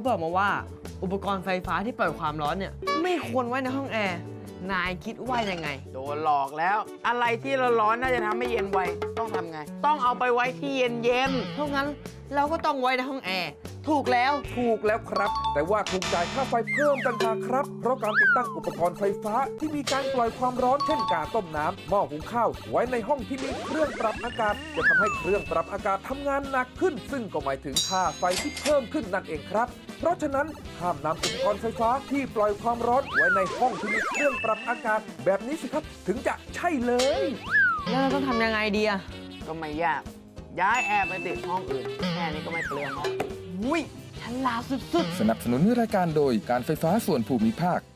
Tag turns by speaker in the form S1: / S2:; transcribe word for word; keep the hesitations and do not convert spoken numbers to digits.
S1: บอกมาว่าอุปกรณ์ไฟฟ้าที่ปล่อยความร้อนเนี่ยไม่ควรไว้ในห้องแอร์นายคิดว่ายังไง
S2: โดนหลอกแล้ว อะไรที่เราร้อนน่าจะทำให้เย็นไวต้องทำไง ต้องเอาไปไว้ที่เย็นเย็น
S1: เพราะงั้นเราก็ต้องไว้ในห้องแอร์ถูกแล้ว
S3: ถูกแล้วครับ แต่ว่าถูกจ่ายค่าไฟเพิ่มต่างหากครับ เพราะการติดตั้งอุปกรณ์ไฟฟ้าที่มีการปล่อยความร้อนเช่นกาต้มน้ำหม้อหุงข้าวไว้ในห้องที่มีเครื่องปรับอากาศจะทำให้เครื่องปรับอากาศทำงานหนักขึ้น ซึ่งก็หมายถึงค่าไฟที่เพิ่มขึ้นนั่นเองครับ เพราะฉะนั้นห้ามนำอุปกรณ์ไฟฟ้าที่ปล่อยความร้อนไว้ในห้องที่มีเครื่องปรับอากาศ แบบนี้สิครับถึงจะใช่เลย
S1: แล้วเราต้องทำยังไงดีอะ
S2: ก็ไม่ยาก ย้ายแอร์ไปติดห้องอื่น แค่นี้ก็ไม่เปลืองแล้ว
S1: อุ้ยฉลาดสุดๆ
S4: สนับสนุนรายการโดยการไฟฟ้าส่วนภูมิภาค